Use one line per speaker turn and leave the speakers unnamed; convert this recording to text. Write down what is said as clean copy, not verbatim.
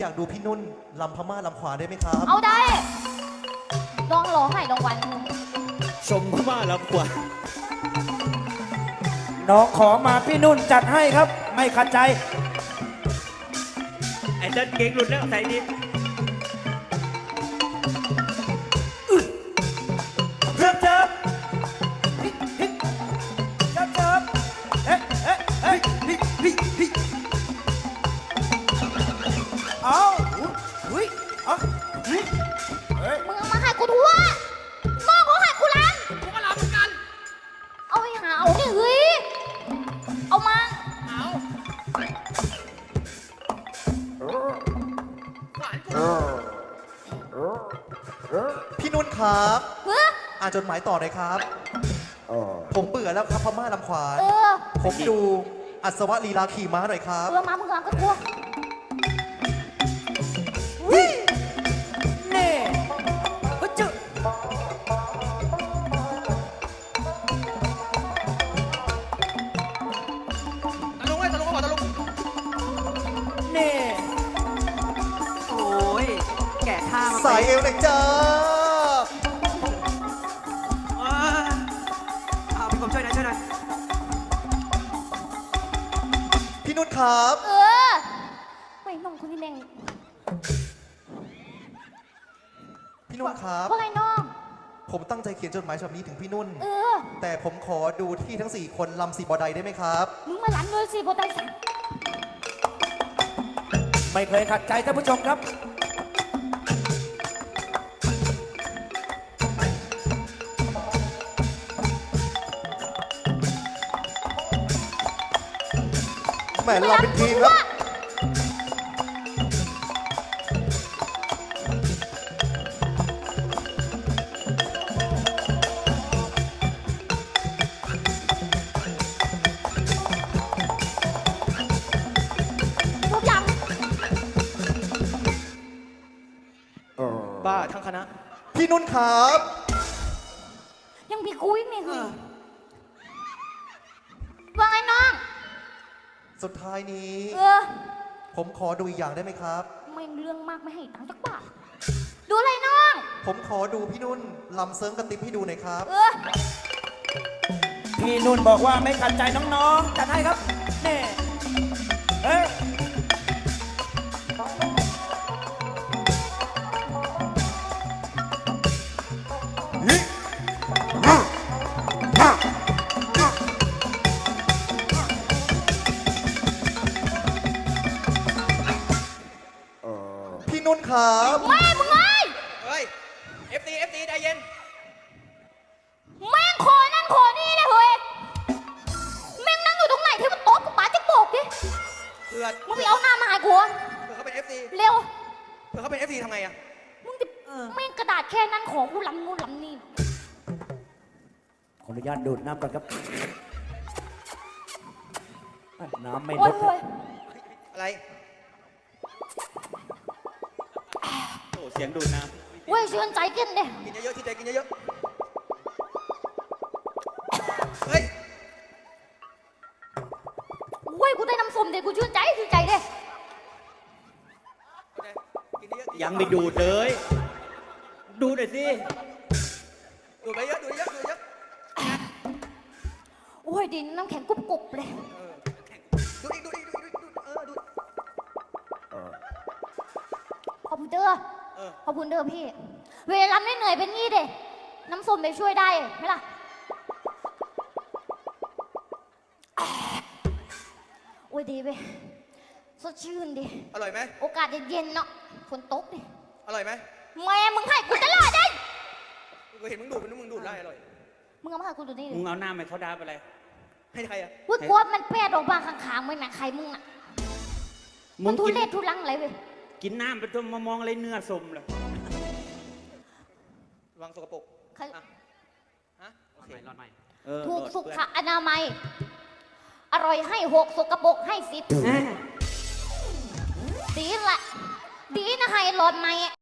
อยากดูพี่นุ่นลำพม่าลำขวาได้ไหมครับ
เอาได้ลองร้องให้รางวัล
ชมพม่าลำกว่า
น้องขอมาพี่นุ่นจัดให้ครับ ไม่ขัดใจ
ไอ้เต้นเก่งหลุดแล้วใส่ดิ
เจิบเจิบฮิฮิเจิบเจิบเอ๊ะเอ๊ะเอ๊ะฮิฮิฮิเอาอุ้ยเอาเฮ้ย
มึงเอามาให้กูทั่วน้องเขาให้กูล้างกูก็ล้างเหมือนกันเอาไปหาเอาดิเฮ้ยเอามา
พี่นุ่นครับ
เฮ้ย
อ่านจดหมายต่อหน่อยครับ ผมเบื่อแล้วครับพม่าลำขวาน
เออ
ผมดูอัศวะลีลาขี่ม้าหน่อยครับ
เออมามึงล้างก็ทั่ว
วิเน่ฮึจึ
ตะลุงไว้ตะลุงก็บอกตะลุง
เน่
โอ้ย แก่ท่ามา
สายเอวหน่อยจ้า
เอาพี่ผมช่วยหน่อยช่วยหน่อย
พี่นุ่นครับ
เออไม่น้องคนนี้แม่ง
พี่นุ่นครับ
ว่าไงน้อง
ผมตั้งใจเขียนจดหมายฉบับนี้ถึงพี่นุ่น
เออ
แต่ผมขอดูที่ทั้ง 4 คนลำสีบอใดได้ไหมครับ
มึงมาล้างเลยสิโบไตสัง
ไม่เคยขัดใจท่านผู้ชมครับ
แหมเราเป็นทีมครับ
ทุกอย่าง
บ้าทั้งคณะ
พี่นุ่นครับ
ยังมีกูอีกนี่คือว่าไงน้อง
สุดท้ายนี้
เออ
ผมขอดูอีกอย่างได้ไหมครับ
ไม่เรื่องมากไม่ให้ตังค์จักบาทดูอะไรน้อง
ผมขอดูพี่นุ่นลำเซิร์งกระติบให้ดูหน่อยครับ
เออ
พี่นุ่นบอกว่าไม่ขัดใจน้องๆจัดให้ครับเน่เฮ้ย
พี่นุ่นครับ
แม่มึงไง
เฮ้ย FT ใจเย็น
แม่งขอนั่นขอนี่เลยเฮ้ยแม่งนั่งอยู่ตรงไหนที่มันโต๊ะกับป๋าจะโบกดิ
เผื่อ
มึงไปเอาหน้ามาหากู
เขาเป็น FT
เร็ว
เผื่อเขาเป็น FT ทำไงอะ
มึงจะแม่งกระดาษแค่นั้นของกูลำนู่นลำนี่
ขออนุญาตดูดน้ำก่อนครับ น้ำไม่
โอ้
ล
ย
ด
โอ้ย
อะไร
โอ้เสียงดูดน้
โอ้ยเชื่อใจกินเด้
กินเยอะๆที่ใจกินเยอะๆเฮ้ย
โอ้ยกูได้น้ำส้มเด้กูชื่นใจเด้
กินเยอะๆ
ำยังไม่ดูดเลย ดูหน่อยสิ
ดูดไปเยอะดูดเยอะดูดเยอะ
โอ้ยดินน้ำแข็งกรุบๆเลย
ดูดอีกดูดอีกดูดอีกดูดดูด
ขอบคุณเด้อ
เออ
ขอบคุณเด้อพี่ เวลาไม่เหนื่อยเป็นงี้เด้น้ำส้มไปช่วยได้ไหมล่ะโอ้ยดีเว้ยสดชื่นดิ
อร่อยไหม
โอกาสเย็นๆเนาะฝนตกดิ
อร่อยไหม
แม่มึงให้กูตลอดได้
กูเห็นมึงดูดมึงดูดได้อร่อย
มึงเอามาให้กูดูนี่ดิ
มึงเอาหน้าไปเขาดาบอะไร
ให้ใครอะ
พูดกลัวมันแปดออกมาข้างๆมึงนะใครมึงอ่ะ
มึ
มัน
ง
ทุ
กิน
เรศทุลังอะไรเว้ย
กินน้ำไปจนมามองอะไรเนื้อสมเลย
วางสกปรก
ใคร
อะฮะโอเค
รอดใหม่
ถูกสุขอนามัย อร่อยให้6สกปรกให้10ดีละดีนะให้หลอดไหม